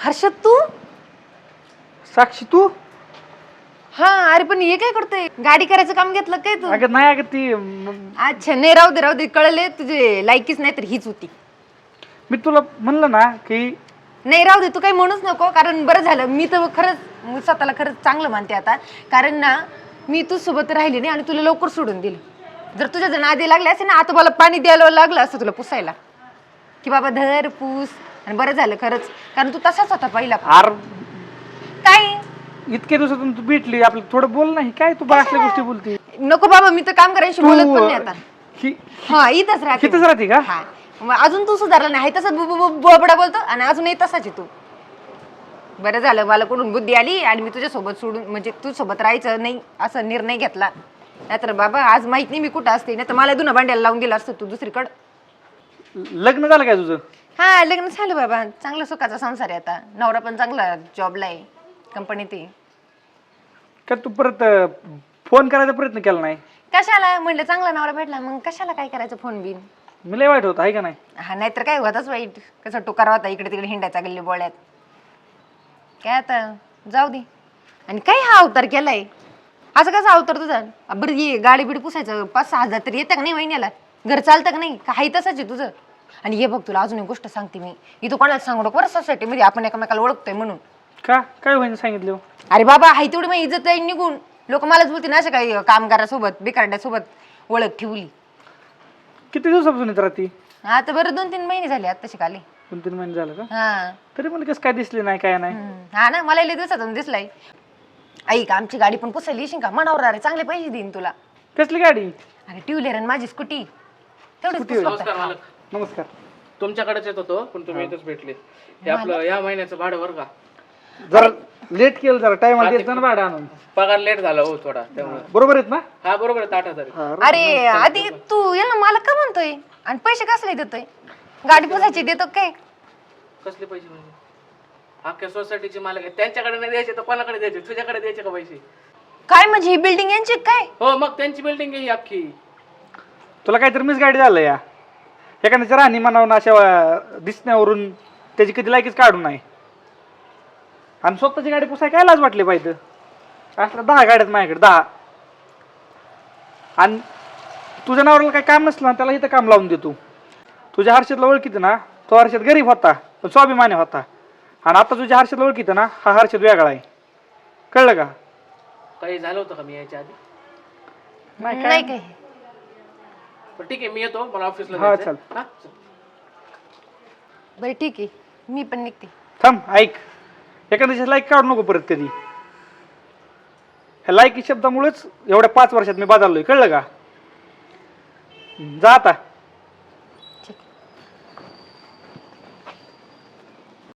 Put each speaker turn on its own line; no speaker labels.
हर्षद तू?
साक्षी तू?
हा अरे पण हे काय करतोय? गाडी करायचं काम घेतलं काय तू?
अगं नाही, अगं ती
अच्छा नाही, राहू दे कळले, तुझे लायकीच नाही तर हीच होती.
मी तुला म्हणलं ना की
नाही राहू दे, तू काही म्हणूच नको, कारण बरं झालं. मी तर खरंच स्वतःला खरंच चांगलं मानते आता, कारण ना मी तू सोबत राहिली नाही आणि तुला लवकर सोडून दिलं. जर तुझ्या जण आधी लागले असे ना, आता मला पाणी द्यायला लागलं असतं तुला पुसायला, की बाबा धर पूस. आणि बरं झालं खरंच, कारण तू तसाच होता पहिला.
आर
काय
इतके दिवसातून तू भेटली, आपलं थोडं बोल नाही काय, तू बासल्या गोष्टी बोलती.
नको बाबा, मी तर काम करायची बोलत पण नाही आता. हा इथंच राहते.
इथंच राहते का?
हा मग अजून तू सुधारला नाही, तसंच बोबडा बोलतो आणि अजूनही तसाच आहे तू. बरं झालं मला कोणून बुद्धी आली आणि मी तुझ्या सोबत सोडून, म्हणजे तू सोबत राहायचं नाही असं निर्णय घेतला. नाहीतर बाबा आज माहित नाही मी कुठं असते, नाही तर मला दुना भांड्याला लावून दिला असतं तू दुसरीकडं.
लग्न झालं काय तुझं?
हा लग्न झालं बाबा, चांगला सुखाचा संसार आहे आता. नवरा पण चांगला जॉबला आहे कंपनीत आहे.
का तू परत फोन करायचा प्रयत्न केला नाही?
कशाला म्हणलं, चांगला नवरा भेटला मग कशाला काय करायचं फोन बिन.
मी लय वाईट होत आहे का नाही?
हा नाहीतर काय होताच वाईट, कसं टोकार होता इकडे तिकडे हिंडायचा गल्ली बोळ्यात. काय आता जाऊ दे. आणि काय हा अवतार केलाय, असं कसा अवतार तुझा? बरं ये गाडी बिडी पुसायचं 5-6 हजार तरी येतं का नाही महिन्याला? घर चालतं का नाही? काही तसंच आहे तुझं. आणि हे बघ तुला अजून एक गोष्ट सांगते मी, इथं कोणाला सांगू नको बरं, सोसायटीमध्ये आपण एकमेकाला ओळखतोय म्हणून.
का काय होईन सांगितलं?
अरे बाबा हाय तेवढी मग इज्जत जाईल निघून. लोक मलाच बोलतील ना, अशा काही कामगारासोबत बिकारड्यासोबत ओळख ठेवली.
किती दिवसापासून येत राहती?
आता बरं 2-3 महिने झाले आता शिकाले.
2-3 महिने झालं का?
हा
तरी मला कसं काय दिसले नाही काय नाही?
हा ना, मला लय दिवसातून दिसलाय. ऐक आमची गाडी पण पुसायला येशील का? मनावर अरे चांगले पैसे देईन तुला.
कसली गाडी?
अरे टू व्हीलर आणि माझी स्कूटी तेवढीच
स्कूटी.
पुस
नमस्कार
फक्त.
मालक.
नमस्कार.
तुमच्याकडेच येत होतो पण तुम्ही इथंच भेटले. हे आपलं या महिन्याचं भाडं बरं का?
जरा लेट केलं, जरा टाइम आला येत ना भाडं आणून.
पगार लेट झाला हो थोडा, त्यामुळे.
बरोबर आहेत ना?
हा बरोबर आहे, 8,000 आहे.
अरे आधी तू याला मला का म्हणतोय आणि पैसे कसले देतोय? गाडी पुसायची देतो काय?
कसले पैसे म्हणजे? अख्ख्या सोसायटीचे मालक आहे, त्यांच्याकडे नाही द्यायचे तर कोणाकडे द्यायचे? तुझ्याकडे द्यायचे का पैसे?
काय म्हणजे ही बिल्डिंग यांची काय?
हो मग त्यांची बिल्डिंग आहे ही अख्खी.
तुला काहीतरी मिस गाडी झालं या एखाद्याच्या राहणी म्हणावून अशा दिसण्यावरून त्याची कधी लायकीच काढू नाही. आणि स्वतःची गाडी पुसाय काय लाज वाटली पाहिजे? असल्या 10 गाड्यात माझ्याकडे 10. आणि तुझ्या नावाला काही काम नसलं ना, त्याला इथं काम लावून देतो. तुझ्या हर्षदला ओळखीत ना, तो हर्षद गरीब होता पण स्वाभिमानी होता. आणि आता तुझ्या हर्षदला ओळखीत ना, हा हर्षद वेगळा आहे. कळलं का?
काही झालं होतं का मी याच्या आधी?
नाही काय.
पण ठीक आहे, मी येतो, मला ऑफिसला
हा,
जायचंय.
चल.
हा, चल.
बरं ठीक आहे, मी पण निघते.
थांब, ऐक. एखाद्याची लाईक काढू नको परत कधी. ह्या लायकी शब्दामुळेच एवढ्या 5 वर्षात मी बदललोय. कळलं का? जा आता.